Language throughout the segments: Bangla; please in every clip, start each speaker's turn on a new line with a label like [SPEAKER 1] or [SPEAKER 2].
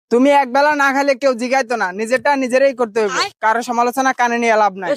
[SPEAKER 1] তুমি একবেলা না খাইলে কেউ জিগাইতো না, নিজেরটা নিজেরাই করতে হবে, কারো সমালোচনা কানে নিয়ে লাভ নাই।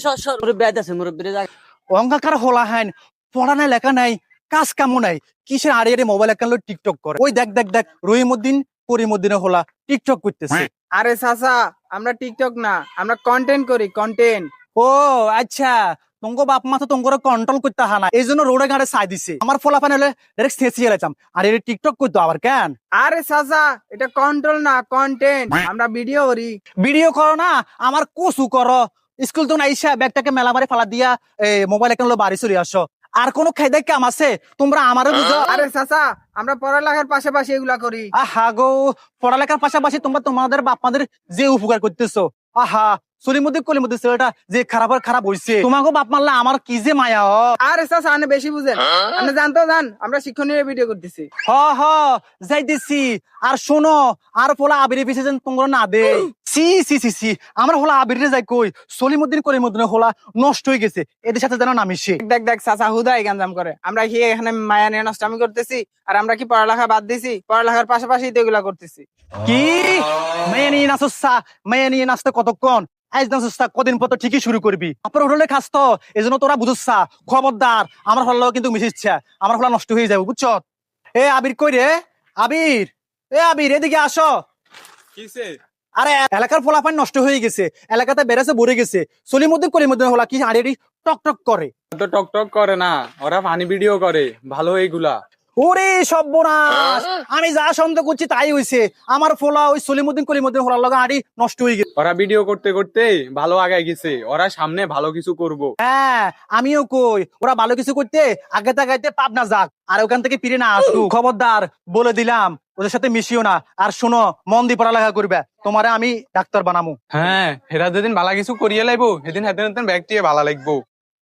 [SPEAKER 2] অঙ্গাকার হলা হাইন পড়া নাই লেখা নাই কাজ কামও নাই কিসের আড়ে আড়ে মোবাইল একান টিকটক করে ওই দেখ দেখ দেখ রহিমউদ্দিন করিমউদ্দিনে হলা টিকটক করতেছে।
[SPEAKER 1] আরে চাচা, আমরা টিকটক না, আমরা কন্টেন্ট করি, কন্টেন্ট।
[SPEAKER 2] ও আচ্ছা, তোমার বাপ মা তো তোমার কন্ট্রোল করতে হা না, এই জন্য রোডে ঘাটে ছাই দিছে। আমার ফলাফান হলে ডাইরেক্ট শেষিয়ে গেলাম, আর এটা টিকটক করতো আবার কেন?
[SPEAKER 1] আরে চাচা, এটা কন্ট্রোল না, কন্টেন্ট। আমরা ভিডিও করি।
[SPEAKER 2] ভিডিও করো না, আমার কসু করো। স্কুল তো আইসা ব্যাগটাকে মেলা বাড়ি ফালা দিয়া মোবাইল একান বাড়ি চলে আসো। আর কোন খাইদে কাম আছে তোমরা আমারও বুঝো?
[SPEAKER 1] আরে চাচা, আমরা পড়ালেখার পাশাপাশি এগুলা করি।
[SPEAKER 2] আহা গো, পড়ালেখার পাশাপাশি তোমরা তোমাদের বাপ মাদের যে উপকার করতেছো, আহা সলিমুদ্দিন কলিমুদ্দিন ছেলেটা যে খারাপ হইছে, তোমাকে বাপ মারলে আমার কি যে মায়া।
[SPEAKER 1] আরে চাচা, আপনি বেশি বুঝেন। আপনি জানতো জান, আমরা শিক্ষণীয় ভিডিও করতেছি।
[SPEAKER 2] হ হ যাই দিছি। আর শোনো, আর পোলা আবির পিছে যেন তোমরা না দে। সি সি সি সি, আমার হোলা আবিরে যাই কই সলিমুদ্দিন কলিমুদ্দিন হোলা নষ্ট হয়ে গেছে, এদের সাথে যেন না মিশে।
[SPEAKER 1] দেখ দেখ চাচা, হুদাই গাঞ্জাম করে। আমরা কি এখানে মায়া নিয়ে নষ্টামি করতেছি? আর আমরা কি পড়ালেখা বাদ দিছি? পড়ালেখার পাশাপাশি তো এগুলা করতেছি।
[SPEAKER 2] কি মেয়ে নিয়ে নাচসা? মেয়ে নিয়ে নাচতে কতক্ষণ? আজ নাচসা কদিন পর তো ঠিকই শুরু করবি। আপনার হোটেলে খাস তো, এই জন্য তোরা বুঝছা। খবরদার, আমার হল্লা কিন্তু মিশিচ্ছে, আমার হল্লা নষ্ট হয়ে যাবে বুঝছ? এ আবির কই রে? আবির, এ আবির এদিকে আসো।
[SPEAKER 3] কিসে?
[SPEAKER 2] আরে এলাকার ফলাফল নষ্ট হয়ে গেছে, এলাকাতে বেড়েছে ভরে গেছে। সলিমুদ্দিন কলিমুদ্দিন হলা কি আড়ি টক টক করে?
[SPEAKER 3] তো টক টক করে না, ওরা ফানি ভিডিও করে। ভালো এইগুলা।
[SPEAKER 2] ওরে সর্বনাশ, আমি যা সন্দেহ করছি তাই হইছে। আমার ফলা ওই সলিমুদ্দিন কলিমুদ্দিন হলার লগা আড়ি নষ্ট হয়ে গেছে।
[SPEAKER 3] ওরা ভিডিও করতে করতে ভালো আগায় গেছে, ওরা সামনে ভালো কিছু করব।
[SPEAKER 2] হ্যাঁ আমিও কই, ওরা ভালো কিছু করতে আগে তাগাইতে পাপ না যাক, আর ওখান থেকে ফিরে না আসুক। খবরদার বলে দিলাম, ওদের সাথে মিশিও না। আর শোনো, মন দিয়ে পড়ালেখা করবে, তোমারে আমি ডাক্তার বানামু।
[SPEAKER 3] হ্যাঁ, হেরা যেদিন ভালো কিছু করিয়ে লাইবো সেদিন হাতে হাতে ব্যাগটিয়ে ভালো লাগবো।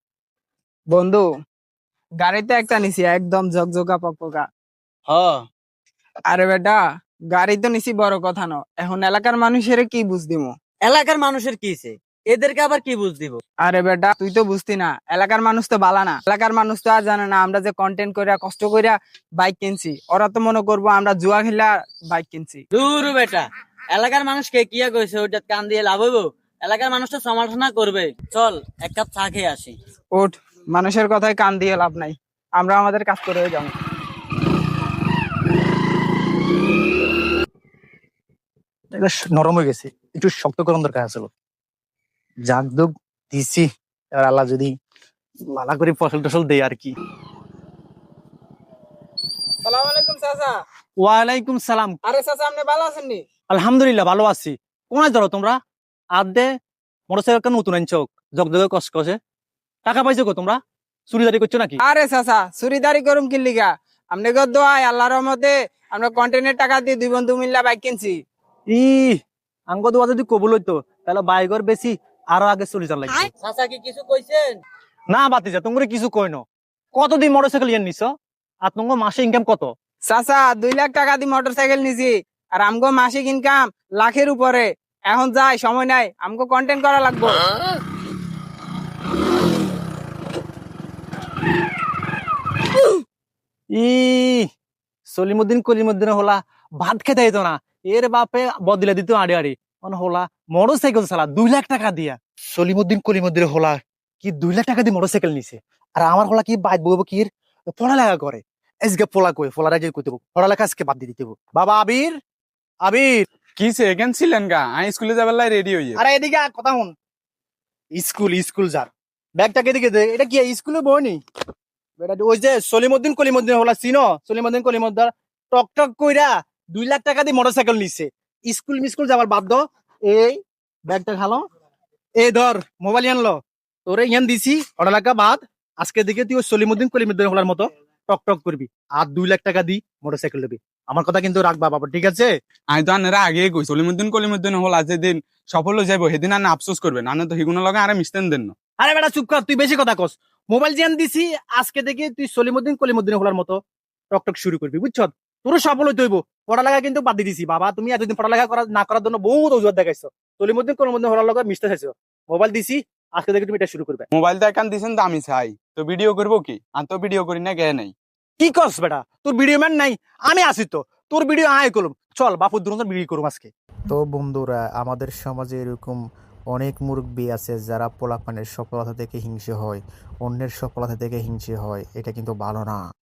[SPEAKER 1] বন্ধু, গাড়িতে একটা নিছি একদম ঝকঝকা পকপকা। আরে বেটা, গাড়ি তো নিছি বড় কথা ন, এখন এলাকার মানুষের কি বুঝ দিমু?
[SPEAKER 4] এলাকার মানুষের কি হইছে? এদেরকে আবার কি বুঝ দিব?
[SPEAKER 1] আরে বেটা, তুই তো বুঝতি না, এলাকার মানুষ তো বালা না। এলাকার মানুষ তো আর জানে না আমরা যে কন্টেন্ট কইরা কষ্ট কইরা বাইক কিনছি। ওরা তো মনে করবো আমরা জুয়া খেলা বাইক কিনছি।
[SPEAKER 4] দূর বেটা, এলাকার মানুষকে কিয়া কইছে ওইটা কান দিয়ে লাভ হইব? এলাকার মানুষ তো সমালোচনা করবে। চল এক কাপ চা খেয়ে আসি।
[SPEAKER 1] ওঠ, মানুষের কথায় কান দিয়ে লাভ নাই, আমরা আমাদের কাজ করে যাবো।
[SPEAKER 2] এটা নরম হয়ে গেছে, একটু শক্ত করার দরকার আছিল। জাগ দুগ দিছি, এবার আল্লাহ যদি ভালো করে ফসল টসল দেয় আর কি।
[SPEAKER 1] সালাম আলাইকুম চাচা।
[SPEAKER 2] ওয়ালাইকুম সালাম।
[SPEAKER 1] আরে চাচা, আপনি ভালো আছেন নি?
[SPEAKER 2] আলহামদুলিল্লাহ ভালো আছি। কোনায় ধরো তোমরা? আর দে মোটরসাইকেল কেন নতুন আনছো জগজগে কসকসে? টাকা পাইছো গো তোমরা? চুরিদারি করছো নাকি?
[SPEAKER 1] আরে চাচা, চুরিদারি করুম কি লিগা? আপনি গো দোয়াই আল্লাহর রহমতে আমরা কন্টেন্টের টাকা দিয়ে দুই বন্ধু মিল্লা বাইক কিনছি।
[SPEAKER 2] ই আঙ্গ দোয়া যদি কবুল হইতো তাহলে বাইকর বেশি আরো আগে চলে যাওয়ার লাগবে।
[SPEAKER 4] চাচা কি কিছু কইছেন?
[SPEAKER 2] না বাতিজা, তোমরা কিছু কই ন। কতদিন মোটরসাইকেল ইয়ে নিছো? আর তোমার মাসে ইনকাম কত?
[SPEAKER 1] চাচা, 2 লাখ টাকা দিয়ে মোটর সাইকেল নিছি, আর আমগো মাসিক ইনকাম লাখের উপরে। এখন যাই, সময় নাই, আমগো কন্টেন্ট করা লাগবো।
[SPEAKER 2] ই সলিমুদ্দিন কলিমুদ্দিন হলা ভাত খেতে হইতো না, এর বাপে বদলে দিত আড়ি আড়ি। হলা মোটরসাইকেল চালা 2 লাখ টাকা দিয়া। সলিমুদ্দিন কলিমুদ্দিন হলা কি 2 লাখ টাকা দিয়ে মোটরসাইকেল নিছে, আর আমার হলা কি বাইক বইব কি পড়ালেখা করে। আজকে পোলা কই পোলারা যে কইতে পড়ালেখা আজকে বাদ দিয়ে দিতে। বাবা আবির, আবির
[SPEAKER 3] কিসে এখান ছিলেন গা? আমি স্কুলে যাবার লাই রেডি হইয়ে।
[SPEAKER 2] আরে এদিকে কথা শুন। স্কুল যার ব্যাগটাকে এদিকে দে। এটা কি স্কুলে বইনি? বেটা ওই যে সলিমুদ্দিন কলিমুদ্দিন হলা চিনো? সলিমুদ্দিন কলিমুদ্দিন টক টক কইরা 2 লাখ টাকা দিয়ে মোটরসাইকেল নিছে। স্কুল যাবার বাধ্য। এই ব্যাগটা খালো, এই ধর মোবাইল আনলো, তোরে ইয়ান দিছি পড়ালেখা বাদ। আজকে দিকে তুই ওই সলিমুদ্দিন কলিমুদ্দিন হলার মতো টক টক করবি, আর 2 লাখ টাকা দি মোটরসাইকেল নেবি। আমার কথা কিন্তু রাখবা বাবা, ঠিক আছে?
[SPEAKER 3] আমি তো আনেরা আগে কই কলিমুদ্দিন হল আজ যেদিন সফল হয়ে যাবো সেদিন আনে আফসোস করবেন, আনে তো হিগুনের লগে আরে মিশতেন দেন না।
[SPEAKER 2] আরে বেটা চুপ কর, তুই বেশি কথা কস। মোবাইল জিয়ান দিছি, আজকে থেকে তুই সলিমুদ্দিন কলিমুদ্দিন হলার মতো টক টক শুরু করবি, বুঝছ? তোর সফল হইতে হইব। পড়ালেখা কিন্তু বাদ দিয়ে দিছি বাবা, তুমি এতদিন পড়ালেখা না করার জন্য বহুত অজুহাত দেখাইছো। সলিমুদ্দিন কলিমুদ্দিন হলার লগে মিশতে চাইছো। মোবাইল দিছি, আজকে থেকে তুমি এটা শুরু করবে।
[SPEAKER 3] মোবাইল তো একান দিছেন তো আমি চাই তো ভিডিও করবো কি? আর তো ভিডিও করি না গে নাই।
[SPEAKER 2] কি করস বেটা? তোর ভিডিও ম্যান নাই, আমি আছি তো। তোর ভিডিও আয় করলাম, চল বাপুর দুরন্ত বিক্রি করুম আজকে।
[SPEAKER 5] তো বন্ধুরা, আমাদের সমাজে এরকম অনেক মুরব্বি আছে যারা পোলাপানের সফলতা থেকে হিংসে হয়, অন্যের সফলতা থেকে হিংসে হয়। এটা কিন্তু ভালো না।